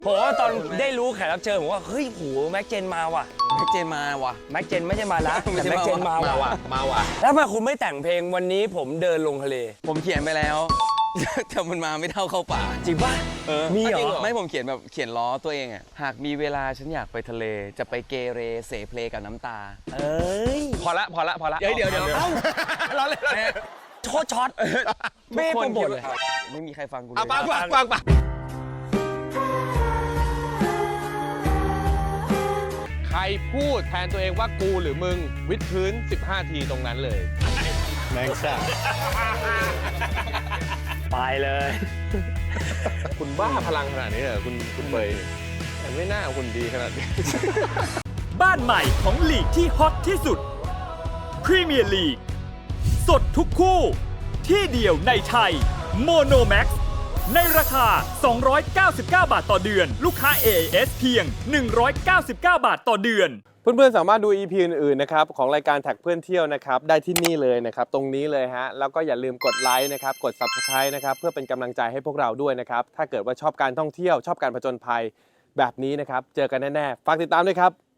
ผมว่าตอนได้รู้แขกรับเชิญผมว่าเฮ้ยโหแม็กเจนมาว่ะแม็กเจนไม่ใช่มานะแต่แม็กเจนมาว่ะแล้วทำไมคุณไม่แต่งเพลงวันนี้ผมเดินลงทะเลผมเขียนไปแล้วแต่มันมาไม่เท่าเข้าป่าจริงป่ะมีเหรอไม่ผมเขียนล้อตัวเองอะหากมีเวลาฉันอยากไปทะเลจะไปเกเรเสเพลกับน้ำตาพอละเดี๋ยวเอ้าเราเลยโทษช็อตไม่โปรโมทเลยไม่มีใครฟังกูเลยฟังใครพูดแทนตัวเองว่ากูหรือมึงวิดพื้น15 ทีตรงนั้นเลยแมงสาบไปเลยคุณบ้าพลังขนาดนี้เหรอคุณเบย์แต่ไม่น่าคุณดีขนาดนี้บ้านใหม่ของลีกที่ฮอตที่สุดพรีเมียร์ลีกสดทุกคู่ที่เดียวในไทยโมโนแม็กซ์ในราคา299 บาทต่อเดือนลูกค้า AIS เพียง199 บาทต่อเดือนเพื่อนๆสามารถดู EP อื่นๆนะครับของรายการแท็กเพื่อนเที่ยวนะครับได้ที่นี่เลยนะครับตรงนี้เลยฮะแล้วก็อย่าลืมกดไลค์นะครับกด Subscribe นะครับเพื่อเป็นกำลังใจให้พวกเราด้วยนะครับถ้าเกิดว่าชอบการท่องเที่ยวชอบการผจญภัยแบบนี้นะครับเจอกันแน่ๆฝากติดตามด้วยครับ